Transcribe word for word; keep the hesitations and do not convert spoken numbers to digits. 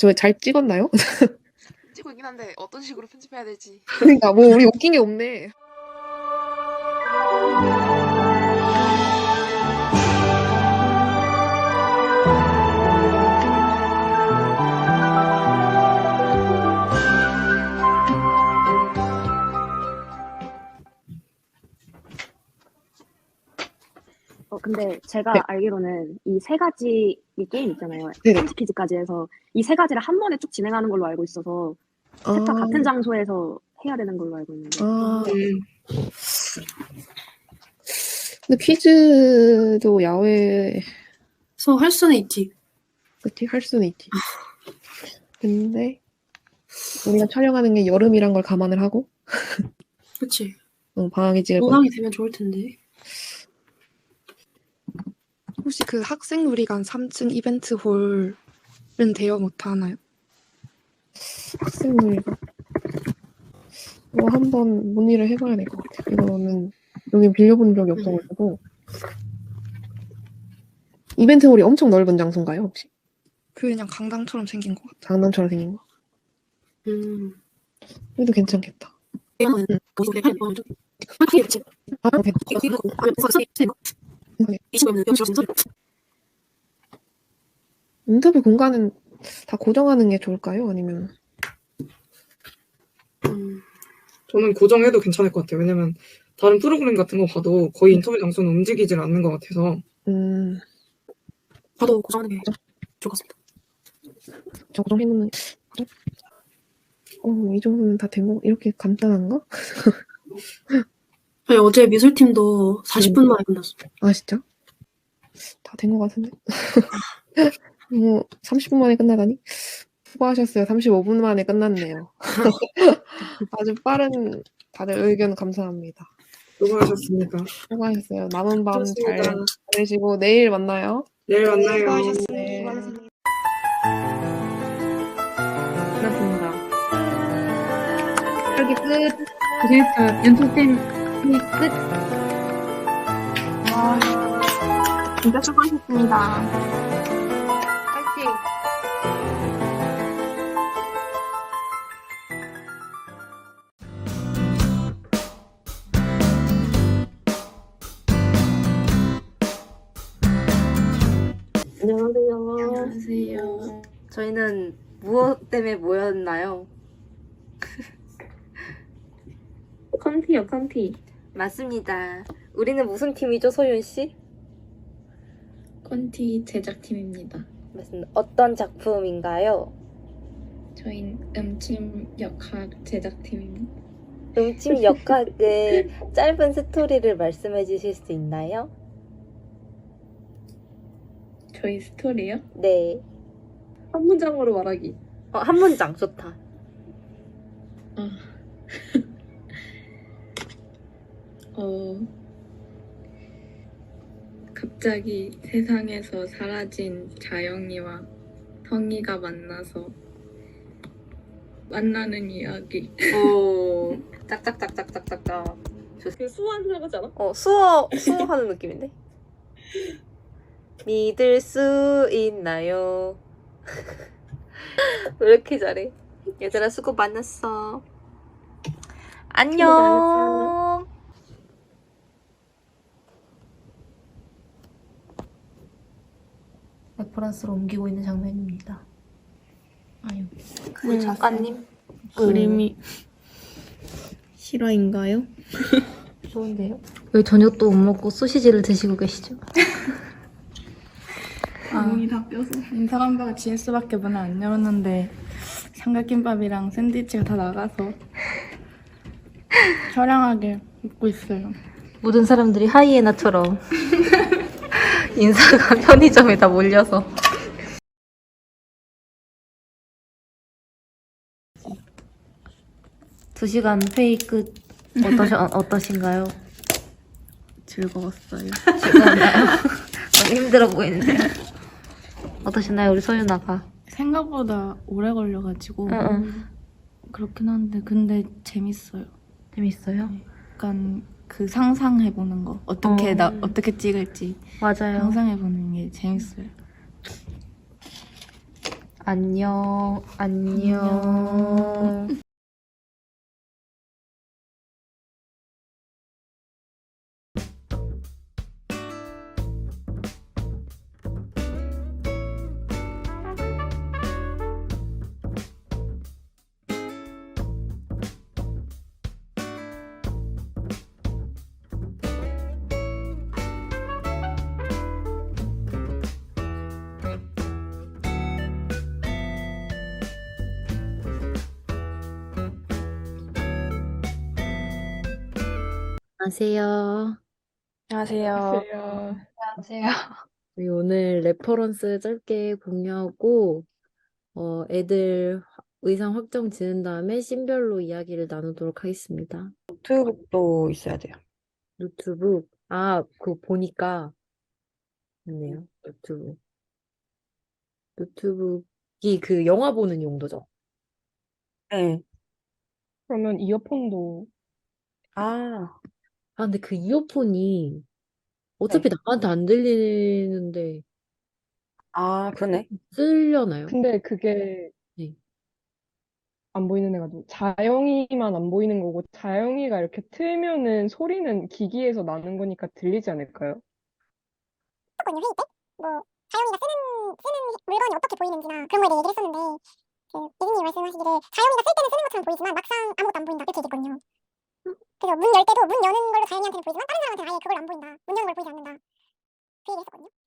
저 잘 찍었나요? 찍고 있긴 한데 어떤 식으로 편집해야 될지. 그러니까 뭐 우리 웃긴 게 없네. 어 근데 제가 네. 알기로는 이 세 가지 이 게임 있잖아요. 네네. 삼십 퀴즈까지 해서 이 세 가지를 한 번에 쭉 진행하는 걸로 알고 있어서 아. 셋 다 같은 장소에서 해야 되는 걸로 알고 있는데. 아. 음. 근데 퀴즈도 야외 그래서 할 수는 있지. 그치 할 수는 있지. 근데 우리가 촬영하는 게 여름이란 걸 감안을 하고 그치. 어, 방학에 찍을 거. 노당이 되면 좋을 텐데. 혹시 그 학생놀이관 삼 층 이벤트 홀은 대여 못 하나요? 학생놀이가 뭐 한번 문의를 해봐야 될 것 같아요. 이거는 여기 빌려본 적이 없어가지고. 이벤트 홀이 엄청 넓은 장소인가요 혹시? 그냥 강당처럼 생긴 것 같아요. 장난처럼 생긴 거. 음. 그래도 괜찮겠다. 이거는 응. 거기서 할 거. 하기에 그치. 아, 괜찮다. 이거 이거 하면 벌써 이거. 네. 이십오면 영실 진짜. 인터뷰 공간은 다 고정하는 게 좋을까요? 아니면 음. 저는 고정해도 괜찮을 것 같아요. 왜냐면 다른 프로그램 같은 거 봐도 거의 인터뷰 장소는 움직이질 않는 것 같아서. 음, 봐도 고정하는 게 좋을 것 같습니다. 저 고정해놓는 어, 이 정도면 다 된 거, 이렇게 간단한가? 저희 어제 미술팀도 사십 분 만에 끝났어. 아, 진짜? 다 된 거 같은데? 뭐, 삼십 분 만에 끝나다니? 수고하셨어요. 삼십오 분 만에 끝났네요. 아주 빠른 다들 의견 감사합니다. 수고하셨습니다. 수고하셨어요. 남은 밤 잘 좋습니다. 보내시고 내일 만나요. 내일 만나요. 수고하셨습니다. 네. 수고하셨습니다. 끝났습니다. 여기 끝. 고생했어요. 연습생 끝. 아, 진짜 수고하셨습니다. 파이팅! 안녕하세요. 안녕하세요. 저희는 무엇 때문에 모였나요? 컨티요, 컨티. 맞습니다. 우리는 무슨 팀이죠, 소윤 씨? 콘티 제작팀입니다. 맞습니다. 어떤 작품인가요? 저희는 음침 역학 제작팀입니다. 음침 역학의 짧은 스토리를 말씀해 주실 수 있나요? 저희 스토리요? 네. 한 문장으로 말하기. 어, 한 문장 좋다. 어. 어. 갑자기 세상에서 사라진 자영이와 성이가 만나서 만나는 이야기. 오, 짝짝짝짝짝짝짝. 그 수완 생각하지 않아? 어, 수어, 수어 하는 느낌인데? 믿을 수 있나요? 왜 이렇게 잘해? 얘들아, 수고 많았어. 안녕. 레퍼런스로 옮기고 있는 장면입니다. 아유. 그 작가님? 그림이 실화인가요? 좋은데요? 왜 저녁도 못 먹고 소시지를 드시고 계시죠? 아, 다 뼈서. 인사감바가 지에스밖에 문을 안 열었는데 삼각김밥이랑 샌드위치가 다 나가서 처량하게 먹고 있어요. 모든 사람들이 하이에나처럼 인사가 편의점에 다 몰려서. 두 시간 회의 끝 어떠시, 어, 어떠신가요? 즐거웠어요. 즐거웠나요? 너무 힘들어 보이는데요. 어떠셨나요, 우리 소윤아가? 생각보다 오래 걸려가지고 응, 응. 그렇긴 한데 근데 재밌어요. 재밌어요? 약간 그 상상해보는 거 어떻게 어. 나 어떻게 찍을지 맞아요. 상상해보는 게 재밌어요. 안녕, 안녕. 안녕. 안녕하세요. 안녕하세요. 안녕하세요. 우리 오늘 레퍼런스 짧게 공유하고, 어, 애들 화- 의상 확정 지은 다음에 씬별로 이야기를 나누도록 하겠습니다. 노트북도 있어야 돼요. 노트북, 아, 그거 보니까 있네요. 노트북. 노트북이 그 영화 보는 용도죠. 네. 그러면 이어폰도 아, 아, 근데 그 이어폰이 어차피 네. 남한테 안 들리는데 아, 그러네. 쓰려나요? 근데 그게 네. 안 보이는 애가 누구? 자영이만 안 보이는 거고 자영이가 이렇게 틀면은 소리는 기기에서 나는 거니까 들리지 않을까요? 했었거든요, 회의 때. 뭐 자영이가 쓰는 쓰는 물건이 어떻게 보이는지나 그런 거에 대해 얘기를 했었는데 그 예진님이 말씀하시기를 자영이가 쓸 때는 쓰는 것처럼 보이지만 막상 아무것도 안 보인다 이렇게 얘기했거든요. 그래서 문 열 때도 문 여는 걸로 자영이한테는 보이지만 다른 사람한테는 아예 그걸 안 보인다. 문 여는 걸 보이지 않는다. 그 얘기를 했었거든요.